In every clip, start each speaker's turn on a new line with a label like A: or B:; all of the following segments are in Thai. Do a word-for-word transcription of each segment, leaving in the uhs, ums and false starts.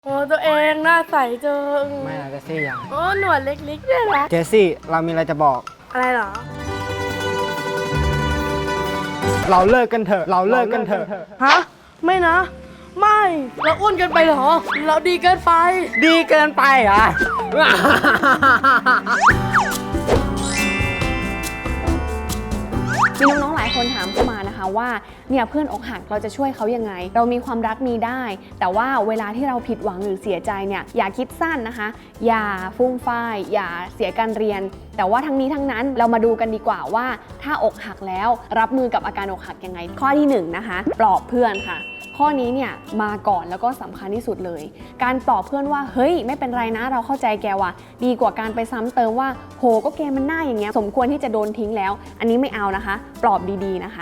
A: โอ้ตัวเองหน้าใสจัง
B: ไม่นะเจสซี่ยัง
A: โอ้หนวดเล็กๆด้วยนะ
B: เจสซี่เรามีอะไรจะบอก
A: อะไรเหรอ
B: เราเลิกกันเถอะ เราเลิกกันเถอะ
A: ฮะ ไม่นะ ไม่ เราอ้วนเกินไปเหรอ เราดีเกินไป
B: ดีเกินไปเหรอ
C: มีน้องๆหลายคนถามเข้ามานะคะว่าเนี่ยเพื่อนอกหักเราจะช่วยเขายังไง เรามีความรักมีได้ แต่ว่าเวลาที่เราผิดหวังหรือเสียใจเนี่ยอย่าคิดสั้นนะคะ อย่าฟุ่มฟ่ายอย่าเสียการเรียน แต่ว่าทั้งนี้ทั้งนั้นเรามาดูกันดีกว่าว่าถ้าอกหักแล้วรับมือกับอาการอกหักยังไง ข้อที่หนึ่งนะคะปลอบเพื่อนค่ะ ข้อนี้เนี่ยมาก่อนแล้วก็สำคัญที่สุดเลย การปลอบเพื่อนว่าเฮ้ยไม่เป็นไรนะเราเข้าใจแกว่ะดีกว่าการไปซ้ำเติมว่าโหก็แกมันหน้าอย่างเงี้ยสมควรที่จะโดนทิ้งแล้ว อันนี้ไม่เอานะคะปลอบดีๆนะคะ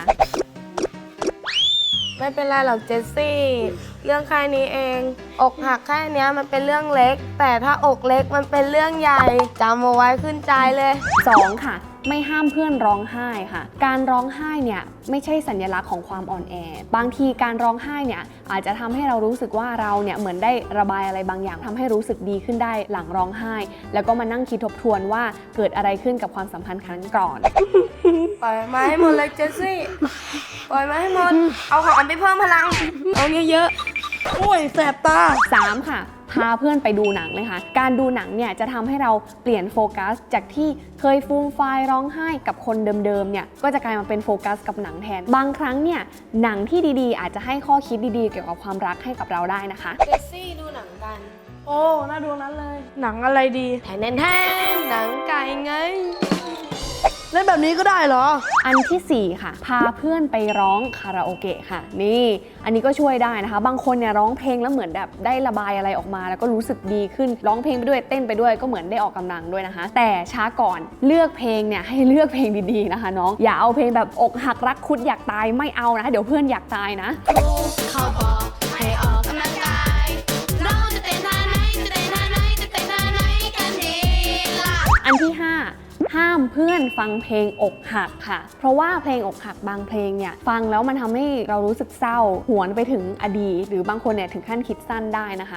A: ไม่เป็นไรหรอกเจสซี่ เรื่องแค่นี้เอง อกหักแค่นี้มันเป็นเรื่องเล็ก แต่ถ้าอกเล็กมันเป็นเรื่องใหญ่จำเอาไว้ขึ้นใจเลย
C: สองค่ะไม่ห้ามเพื่อนร้องไห้ค่ะการร้องไห้เนี่ยไม่ใช่สัญลักษณ์ของความอ่อนแอบางทีการร้องไห้เนี่ยอาจจะทำให้เรารู้สึกว่าเราเนี่ยเหมือนได้ระบายอะไรบางอย่างทำให้รู้สึกดีขึ้นได้หลังร้องไห้ แล้วก็มานั่งคิดทบทวนว่าเกิดอะไรขึ้นกับความสัมพันธ์ครั้งก่อน
A: ปล่อยมาให้หมดเลยเจสซี่ ปล่อยมาให้หมด เอาของไปเพิ่มพลัง เอาเยอะๆ โอ้ยแสบตา
C: สามค่ะพาเพื่อนไปดูหนังเลยค่ะการดูหนังเนี่ยจะทำให้เราเปลี่ยนโฟกัสจากที่เคยฟูมไฟายร้องไห้กับคนเดิมๆเนี่ยก็จะกลายมาเป็นโฟกัสกับหนังแทนบางครั้งเนี่ยหนังที่ดีๆอาจจะให้ข้อคิดดีๆเกี่ยวกับความรักให้กับเราได้นะคะ
A: เจสซี่ดูหนังกัน โอ้ น่าดูนั้นเลย หนังอะไรดีแทนแทนหนังไก่ไง เล่นแบบนี้ก็ได้เหรอ
C: อันที่สี่ค่ะพาเพื่อนไปร้องคาราโอเกะค่ะนี่อันนี้ก็ช่วยได้นะคะบางคนเนี่ยร้องเพลงแล้วเหมือนแบบได้ระบายอะไรออกมาแล้วก็รู้สึกดีขึ้นร้องเพลงไปด้วยเต้นไปด้วยก็เหมือนได้ออกกำลังด้วยนะคะ แต่ช้าก่อนเลือกเพลงเนี่ยให้เลือกเพลงดีๆนะคะน้องอย่าเอาเพลงแบบอกหักรักคุดอยากตายไม่เอานะเดี๋ยวเพื่อนอยากตายนะ
D: เขาบอกให้ออกกำลังกายเราจะเต้นท่าไหนจะเต้นท่าไหนจะเต้นท่าไหนกันดีล่ะ
C: อันที่ห้าห้ามเพื่อนฟังเพลงอกหักค่ะเพราะว่าเพลงอกหักบางเพลงเนี่ยฟังแล้วมันทำให้เรารู้สึกเศร้าหวนไปถึงอดีตหรือบางคนเนี่ยถึงขั้นคิดสั้นได้นะคะ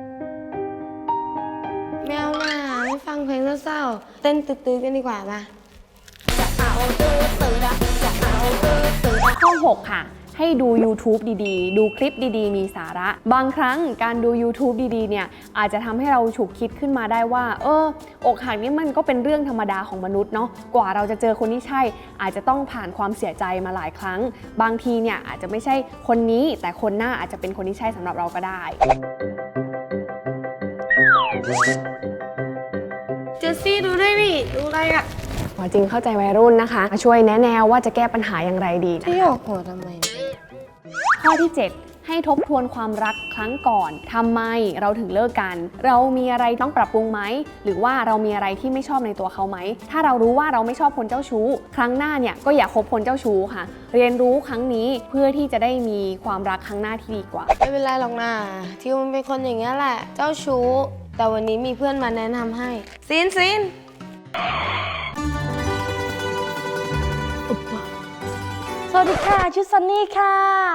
A: แมวหน้าไม่ฟังเพลงเศร้าๆเต้นตื้อๆกันดีกว่าป่ะ
C: ข้อหกค่ะให้ดู YouTube ดีๆ ดูคลิปดีๆ มีสาระ บางครั้งการดู YouTube ดีๆ เนี่ยอาจจะทำให้เราฉุกคิดขึ้นมาได้ว่าเอออกหักนี่มันก็เป็นเรื่องธรรมดาของมนุษย์เนาะกว่าเราจะเจอคนที่ใช่อาจจะต้องผ่านความเสียใจมาหลายครั้ง บางทีเนี่ยอาจจะไม่ใช่คนนี้แต่คนหน้าอาจจะเป็นคนที่ใช่สำหรับเราก็ได้
A: เจสซี่ดูด้วยดิดูอะไรอ่ะ
C: หมอจริงเข้าใจวัยรุ่นนะคะมาช่วยแนะแนวว่าจะแก้ปัญหาอย่างไรดีนะ
A: ที่
C: คะ
A: ออกหัวทำไม
C: ข้อที่ เจ็ด ให้ทบทวนความรักครั้งก่อนทำไมเราถึงเลิกกัน เรามีอะไรต้องปรับปรุงไหมหรือว่าเรามีอะไรที่ไม่ชอบในตัวเขาไหมถ้าเรารู้ว่าเราไม่ชอบคนเจ้าชู้ ครั้งหน้าเนี่ยก็อย่าคบคนเจ้าชู้ค่ะ เรียนรู้ครั้งนี้เพื่อที่จะได้มีความรักครั้งหน้าที่ดีกว่า
A: ไม่เป็นไรหรอกนะทิวมันเป็นคนอย่างนี้ยแหละ เจ้าชู้ แต่วันนี้มีเพื่อนมาแนะนำให้ซินซิน
E: สวัสดีค่ะชื่อซันนี่ค่ะ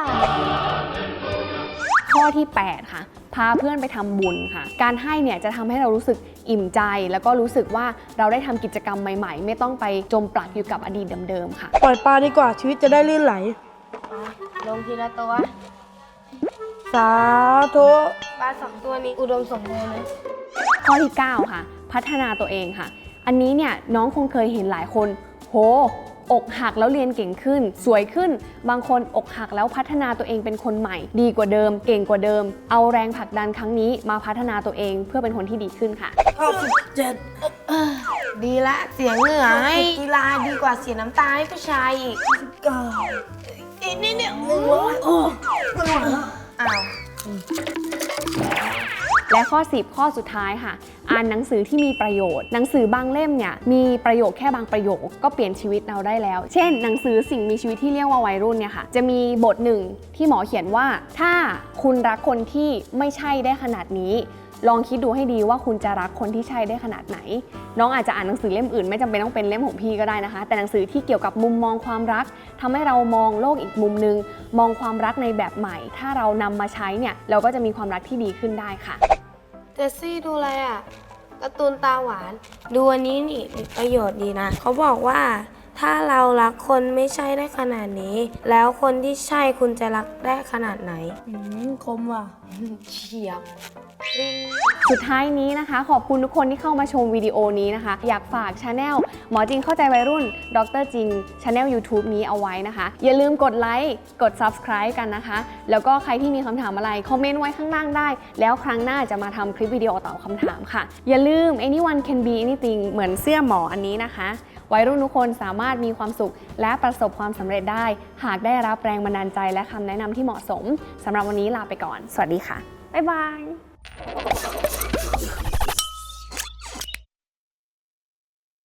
C: ข้อที่ แปด ค่ะพาเพื่อนไปทำบุญค่ะการให้เนี่ยจะทำให้เรารู้สึกอิ่มใจแล้วก็รู้สึกว่าเราได้ทำกิจกรรมใหม่ๆ ไม่ต้องไปจมปลักอยู่กับอดีตเดิมๆค่ะ
E: ปล่อยปลาดีกว่าชีวิตจะได้ลื่นไหล
A: ลงทีละตัว
E: สาธุ
A: ปลาสองตัวนี้อุดมสมบูรณ์เลย
C: ข้อที่ เก้า ค่ะพัฒนาตัวเองค่ะอันนี้เนี่ยน้องคงเคยเห็นหลายคนโหอกหักแล้วเรียนเก่งขึ้นสวยขึ้นบางคนอกหักแล้วพัฒนาตัวเองเป็นคนใหม่ดีกว่าเดิมเก่งกว่าเดิมเอาแรงผลักดันครั้งนี้มาพัฒนาตัวเองเพื่อเป็นคนที่ดีขึ้นค่ะ
A: ดีละเสียเหงื่อให้กีฬาดีกว่าเสียน้ำตาให้ผู้ชายอีกอีกนิดเดียวหนึ่งร้อยโอ้ไม่ไหวแล้วอ้าว
C: และข้อ สิบ ข้อสุดท้ายค่ะอ่านหนังสือที่มีประโยชน์หนังสือบางเล่มเนี่ยมีประโยคแค่บางประโยคก็เปลี่ยนชีวิตเราได้แล้ว เช่นหนังสือสิ่งมีชีวิตที่เรียกว่าวัยรุ่นเนี่ยค่ะจะมีบทหนึ่งที่หมอเขียนว่าถ้าคุณรักคนที่ไม่ใช่ได้ขนาดนี้ลองคิดดูให้ดีว่าคุณจะรักคนที่ใช่ได้ขนาดไหนน้องอาจจะอ่านหนังสือเล่มอื่นไม่จำเป็นต้องเป็นเล่มของพี่ก็ได้นะคะแต่หนังสือที่เกี่ยวกับมุมมองความรักทำให้เรามองโลกอีกมุมนึงมองความรักในแบบใหม่ถ้าเรานำมาใช้เนี่ยเราก็จะมีความรักที่ดีขึ้นได้ค่ะ
A: เจสซี่ดูอะไรอ่ะการ์ตูนตาหวาน ดูอันนี้นี่มีประโยชน์ดีนะ เขาบอกว่าถ้าเรารักคนไม่ใช่ได้ขนาดนี้ แล้วคนที่ใช่คุณจะรักได้ขนาดไหน
E: อืมคมว่ะ
A: เฉียบ
C: สุดท้ายนี้นะคะขอบคุณทุกคนที่เข้ามาชมวิดีโอนี้นะคะอยากฝากช anel หมอจริงเข้าใจวัยรุ่นดรจริง channel ยูทูบ นี้เอาไว้นะคะอย่าลืมกดไลค์กด ซับสไครบ์ กันนะคะแล้วก็ใครที่มีคำถามอะไรคอมเมนต์ไว้ข้างล่างได้แล้วครั้งหน้าจะมาทำคลิปวิดีโอตอบคำถามค่ะอย่าลืม anyone can be anything เหมือนเสื้อหมออันนี้นะคะวัยรุ่นทุกคนสามารถมีความสุขและประสบความสำเร็จได้หากได้รับแรงบันดาลใจและคำแนะนำที่เหมาะสมสำหรับวันนี้ลาไปก่อนสวัสดีค่ะบ๊ายบาย